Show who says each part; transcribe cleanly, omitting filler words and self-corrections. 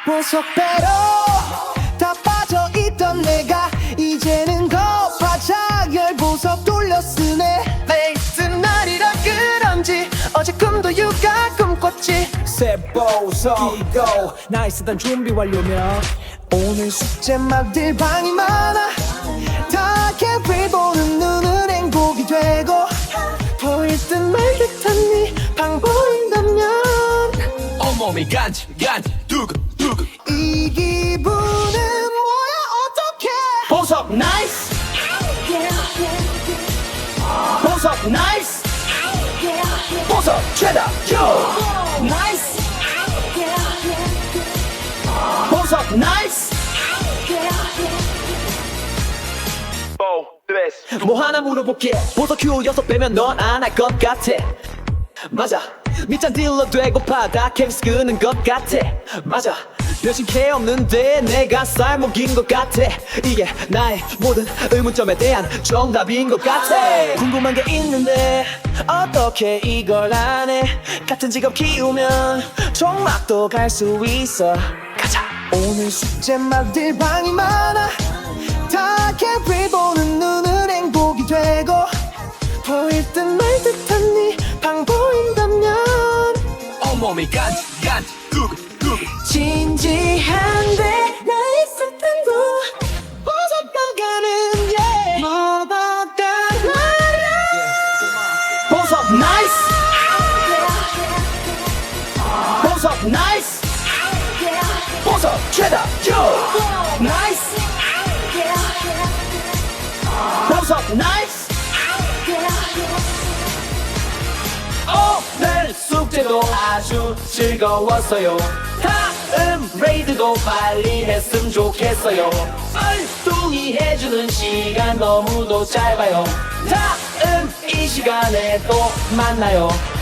Speaker 1: 보석배로 다 빠져있던 내가 이제는 거바짝 열보석 돌려 쓰네. 매일 쓴 날이라 그런지 어제 꿈도 육아 꿈꿨지.
Speaker 2: 새 보석 끼고 나이 쓰던 준비 완료면
Speaker 1: 오늘 숙제 막들 방이 많아. 다 캠프를 보는 눈은 행복이 되고 보일 듯 말 듯한 네방 보인다면
Speaker 2: 온몸이 간지 두근두근
Speaker 1: 이 기분은 뭐야 어떡해.
Speaker 2: 보석 나이스 보석 나이스 보석 최다 요 나이스 보석 나이스 뭐 하나 물어볼게. 보석 큐 6배면 넌 안 할 것 같아. 맞아 밑잔 딜러 되고파 다 캠스 끄는 것 같아. 맞아 변신 캐 없는데 내가 쌀먹인 것 같아. 이게 나의 모든 의문점에 대한 정답인 것 같아. 궁금한 게 있는데 어떻게 이걸 안 해. 같은 직업 키우면 종막도 갈 수 있어. 가자.
Speaker 1: 오늘 숙제 막들 방이 많아. 다 캠프를 보는 눈은 행복이 되고 보일 듯 말 듯한 네방 보인다면
Speaker 2: 온몸이 간지 두근두근
Speaker 1: 진지한데 나 있을 텐데 보석가가는 예 뭐보다 말야.
Speaker 2: 보석 나이스 보석 나이스 보석 최다 요 나이스 보석 나이스 오늘 숙제도 아주 즐거웠어요. 다음 레이드도 빨리 했으면 좋겠어요. 썰뚱이 해주는 시간 너무도 짧아요. 다음 이 시간에 또 만나요.